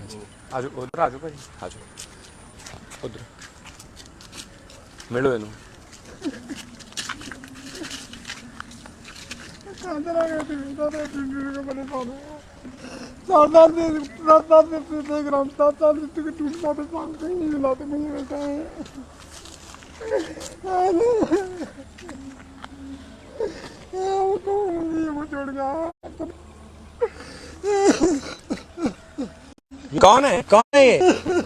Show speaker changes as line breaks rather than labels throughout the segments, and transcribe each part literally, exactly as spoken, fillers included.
आ जाओ उधर आ जाओ भाई आ जाओ उधर मिलो इनू कौन है कौन है ये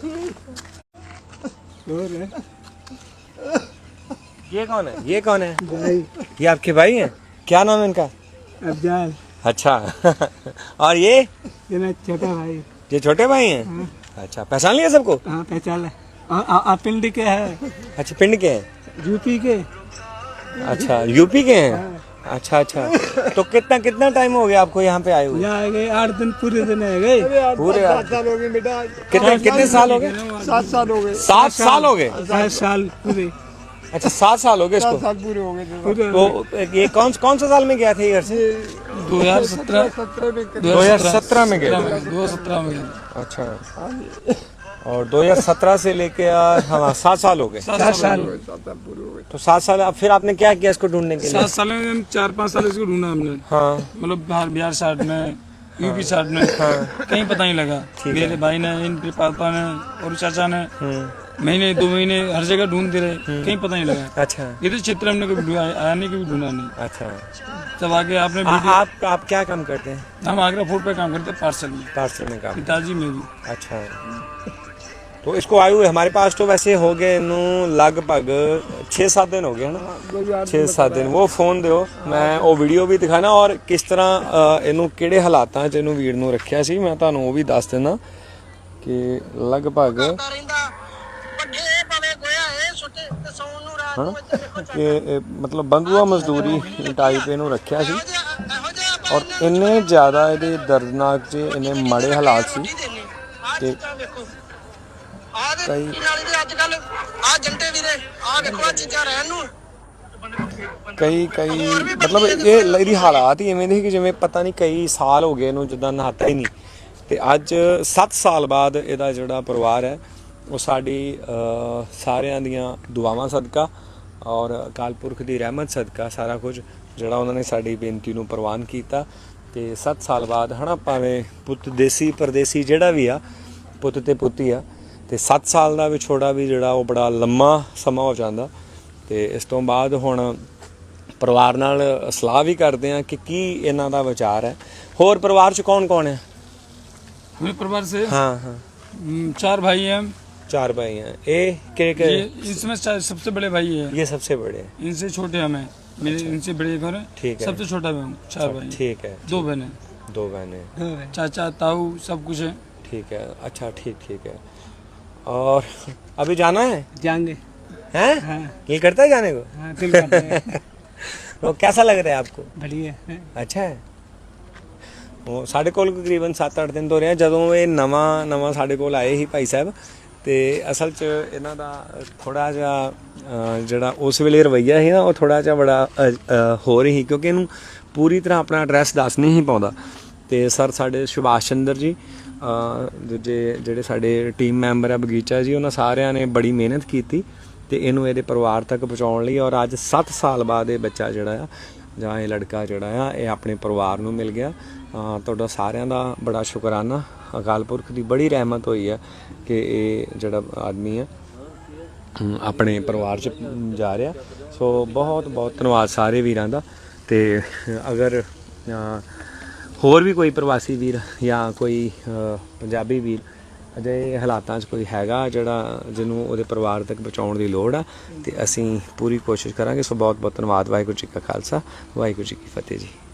ये कौन है ये कौन है
भाई
ये आपके भाई हैं क्या नाम है इनका
अफजाल
अच्छा और ये
ये मेरा छोटा भाई
ये छोटे भाई हैं
हाँ।
अच्छा पहचान लिया सबको
हाँ पहचान है आप पिंड के हैं
अच्छा पिंड के हैं
यूपी के
अच्छा यूपी के हैं अच्छा अच्छा तो कितना कितना टाइम हो गया आपको यहाँ पे आए हुए
यहाँ आ गए आठ दिन पूरे दिन आ गए
पूरे
सात साल हो गए बेटा
कितने कितने साल हो गए
सात साल हो गए
सात साल हो गए
सात साल पूरे
अच्छा सात साल हो गए इसको
साल पूरे हो गए पूरे
तो ये कौन कौन सा साल में गया था ये घर से
दो हजार सत्रह
दो हजार सत्रह में गया
दो हजार सत्रह में गया
अच्छा और दो हजार सत्रह से लेके हाँ सात साल हो गए
सात साल
तो सात साल अब फिर आपने क्या किया इसको ढूंढने के लिए
सात साल में चार पाँच साल इसको ढूंढा हमने
हाँ
मतलब बाहर बिहार साइड में यूपी साइड में कहीं पता नहीं लगा मेरे भाई ने इनके पापा ने और चाचा ने महीने दो महीने हर जगह ढूंढते रहे कहीं पता नहीं लगा
अच्छा
ये तो चित्र हमने कभी ढूंढा आने के भी ढूंढा नहीं
अच्छा
तब आगे आपने
आ, आप आप क्या काम करते हैं
हम आगरा फूड पे काम करते हैं पार्सल में
पार्सल में काम
पिताजी में भी
अच्छा तो इसको आए हुए हमारे पास तो वैसे हो गए इनू लगभग छे सात दिन हो गए है ना छे सात दिन वो फोन दिओ मैं वो वीडियो भी दिखाना और किस तरह इनू किहड़े हालातां च इनू वीर नू रखिया सी मैं तुहानू वो भी दस देना कि लगभग हाँ कि मतलब बंधुआ मजदूरी टाइप इनू रखिया सी और इन्ने ज़्यादा ये दर्दनाक च इन्ने माड़े हालात सी कि कई कई कई मतलब ये ਇਹਦੀ ਹਾਲਾਤ ਹੀ ਇਵੇਂ ਦੇ ਕਿ ਜਿਵੇਂ ਪਤਾ ਨਹੀਂ ਕਈ ਸਾਲ ਹੋ ਗਏ ਇਹਨੂੰ ਜਿੱਦਾਂ ਨਹਾਤਾ ਹੀ ਨਹੀਂ ਤੇ ਅੱਜ ਸੱਤ ਸਾਲ ਬਾਅਦ ਇਹਦਾ ਜਿਹੜਾ ਪਰਿਵਾਰ ਹੈ ਉਹ ਸਾਡੀ ਸਾਰਿਆਂ ਦੀਆਂ ਦੁਆਵਾਂ ਸਦਕਾ ਔਰ ਅਕਾਲ ਪੁਰਖ ਦੀ ਰਹਿਮਤ ਸਦਕਾ ਸਾਰਾ ਕੁਝ ਜਿਹੜਾ ਉਹਨਾਂ ਨੇ ਸਾਡੀ ਬੇਨਤੀ ਨੂੰ ਪ੍ਰਵਾਨ ਕੀਤਾ ਤੇ ਸੱਤ ਸਾਲ ਬਾਅਦ ਹਨਾ ਭਾਵੇਂ ਪੁੱਤ ਦੇਸੀ ਪਰਦੇਸੀ ਜਿਹੜਾ ਵੀ ਆ ਪੁੱਤ ਤੇ ਪੁੱਤੀ ਆ ਤੇ ਸੱਤ ਸਾਲ ਦਾ ਵਿਛੋੜਾ ਵੀ ਜਿਹੜਾ ਉਹ ਬੜਾ ਲੰਮਾ ਸਮਾਂ ਹੋ ਜਾਂਦਾ ਤੇ ਇਸ ਤੋਂ ਬਾਅਦ ਹੁਣ ਪਰਿਵਾਰ ਨਾਲ ਸਲਾਹ ਵੀ ਕਰਦੇ ਆ ਕਿ ਕੀ ਇਹਨਾਂ ਦਾ ਵਿਚਾਰ ਹੈ ਹੋਰ ਪਰਿਵਾਰ ਚ ਕੌਣ ਕੌਣ ਹੈ
मेरे परिवार से
हाँ हाँ
चार भाई हैं
चार भाई हैं ए के के
इसमें सबसे बड़े भाई है
ये सबसे बड़े
इनसे छोटे हमें मेरे इनसे बड़े घर है
ठीक है
सबसे छोटा मैं हूँ चार भाई
ठीक है
दो बहनें
दो बहनें
चाचा ताऊ सब कुछ है
ठीक है अच्छा ठीक ठीक है और अभी जाना है
जाएंगे
हैं
हाँ।
ये करता है जाने को
हाँ, दिल करता है।
तो कैसा लग रहा है आपको
बढ़िया है
अच्छा है ਉਹ ਸਾਡੇ ਕੋਲ ਤਕਰੀਬਨ ਸੱਤ ਅੱਠ ਦਿਨ ਤੋਂ ਰਿਹਾ ਜਦੋਂ ਇਹ ਨਵਾਂ ਨਵਾਂ ਸਾਡੇ ਕੋਲ ਆਏ ਸੀ ਭਾਈ ਸਾਹਿਬ ਤੇ ਅਸਲ 'ਚ ਇਹਨਾਂ ਦਾ ਥੋੜਾ ਜਿਹਾ ਜਿਹੜਾ ਉਸ ਵੇਲੇ ਰਵੱਈਆ ਸੀ ਨਾ ਉਹ ਥੋੜਾ ਜਿਹਾ ਬੜਾ ਹੋ ਰਹੀ ਸੀ ਕਿਉਂਕਿ ਇਹਨੂੰ ਪੂਰੀ ਤਰ੍ਹਾਂ ਆਪਣਾ ਐਡਰੈਸ ਦੱਸ ਨਹੀਂ ਸੀ ਪਾਉਂਦਾ ਤੇ ਸਰ ਸਾਡੇ ਸੁਭਾਸ਼ ਚੰਦਰ ਜੀ ਦੂਜੇ ਜਿਹੜੇ ਸਾਡੇ ਟੀਮ ਮੈਂਬਰ ਆ ਬਗੀਚਾ ਜੀ ਉਹਨਾਂ ਸਾਰਿਆਂ ਨੇ ਬੜੀ ਮਿਹਨਤ ਕੀਤੀ ਤੇ ਇਹਨੂੰ ਇਹਦੇ ਪਰਿਵਾਰ ਤੱਕ ਪਹੁੰਚਾਉਣ ਲਈ ਔਰ ਅੱਜ ਸੱਤ ਸਾਲ ਬਾਅਦ ਇਹ ਬੱਚਾ ਜਿਹੜਾ ਆ ਜਾਂ ਇਹ ਲੜਕਾ ਜਿਹੜਾ ਆ ਇਹ ਆਪਣੇ ਪਰਿਵਾਰ ਨੂੰ ਮਿਲ ਗਿਆ ਤੁਹਾਡਾ ਸਾਰਿਆਂ ਦਾ ਬੜਾ ਸ਼ੁਕਰਾਨਾ ਅਕਾਲ ਪੁਰਖ ਦੀ ਬੜੀ ਰਹਿਮਤ ਹੋਈ ਹੈ ਕਿ ਇਹ ਜਿਹੜਾ ਆਦਮੀ ਆ ਆਪਣੇ ਪਰਿਵਾਰ 'ਚ ਜਾ ਰਿਹਾ ਸੋ ਬਹੁਤ ਬਹੁਤ ਧੰਨਵਾਦ ਸਾਰੇ ਵੀਰਾਂ ਦਾ ਤੇ ਅਗਰ ਹੋਰ ਵੀ ਕੋਈ ਪ੍ਰਵਾਸੀ ਵੀਰ ਜਾਂ ਕੋਈ ਪੰਜਾਬੀ ਵੀਰ ਅਜਿਹੇ ਹਾਲਾਤਾਂ 'ਚ ਕੋਈ ਹੈਗਾ ਜਿਹੜਾ ਜਿਹਨੂੰ ਉਹਦੇ ਪਰਿਵਾਰ ਤੱਕ ਪਹੁੰਚਾਉਣ ਦੀ ਲੋੜ ਆ ਤੇ ਅਸੀਂ ਪੂਰੀ ਕੋਸ਼ਿਸ਼ ਕਰਾਂਗੇ ਸੋ ਬਹੁਤ ਬਹੁਤ ਧੰਨਵਾਦ ਵਾਹਿਗੁਰੂ ਜੀ ਕਾ ਖਾਲਸਾ ਵਾਹਿਗੁਰੂ ਜੀ ਕੀ ਫਤਿਹ ਜੀ।